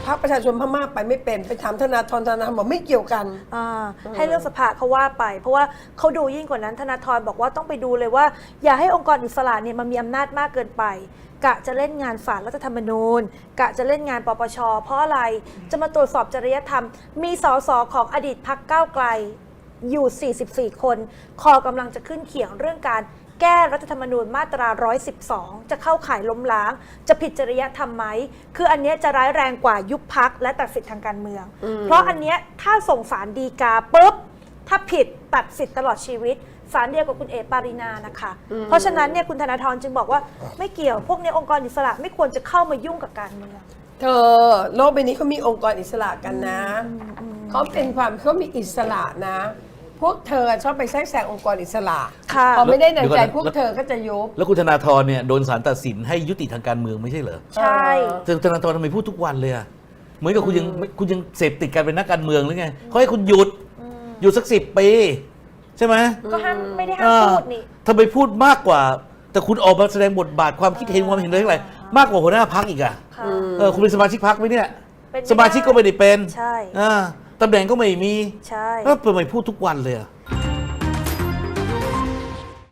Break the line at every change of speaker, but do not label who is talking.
พรรคประชาชนพม่าไปไม่เป็นไปถามธนาธรบอกไม่เกี่ยวกัน
ให้เรื่องสภาเขาว่าไปเพราะว่าเขาดูยิ่งกว่านั้นธนาธรบอกว่าต้องไปดูเลยว่าอย่าให้องค์กรอิสระเนี่ยมันมีอำนาจมากเกินไปกะจะเล่นงานศาลรัฐธรรมนูญกะจะเล่นงานปปชเพราะอะไรจะมาตรวจสอบจริยธรรมมีสสของอดีตพรรคก้าวไกลอยู่ 44 คนคอกำลังจะขึ้นเขียงเรื่องการแก้รัฐธรรมนูญมาตรา 112 จะเข้าข่ายล้มล้างจะผิดจริยธรรมไหมคืออันเนี้ยจะร้ายแรงกว่ายุบพรรคและตัดสิทธิทางการเมืองเพราะอันเนี้ยถ้าส่งศาลฎีกาปุ๊บถ้าผิดตัดสิทธิ์ตลอดชีวิตศาลเดียวกับคุณเอ๋ปารินานะคะเพราะฉะนั้นเนี่ยคุณธนาธรจึงบอกว่าไม่เกี่ยวพวกนี้องค์กรอิสระไม่ควรจะเข้ามายุ่งกับการเมือง
เธอโลกใบนี้เขามีองค์กรอิสระกันนะเขามีอิสระนะ พวกเธอชอบไปแทรกแซงองค์กรอิสระพอไม่ได้ดังใจพวกเธอก็จะยุบ
แล้วคุณธนาธรเนี่ยโดนศาลตัดสินให้ยุติทางการเมืองไม่ใช่เหรอ
ใช่
ธนาธรทำไมพูดทุกวันเลยอะเหมือนกับคุณยังเสพติดการเป็นนักการเมืองหรือไงเขาให้คุณหยุดสัก10 ปีใช่ไหม
ก็ห้ามไม่ได้ห้ามพูดนี่
ทำไมพูดมากกว่าแต่คุณออกมาแสดงบทบาทความคิดเห็นความเห็นอะไรมากกว่าหัวหน้าพรรคอีกอะคุณเป็นสมาชิกพรรคไหมเนี่ยสมาชิกก็ไม่ได้เป็น
ใช่
ตำแหน่งก็ไม่มี
ใช่
แล้วทำไมพูดทุกวันเลยอะ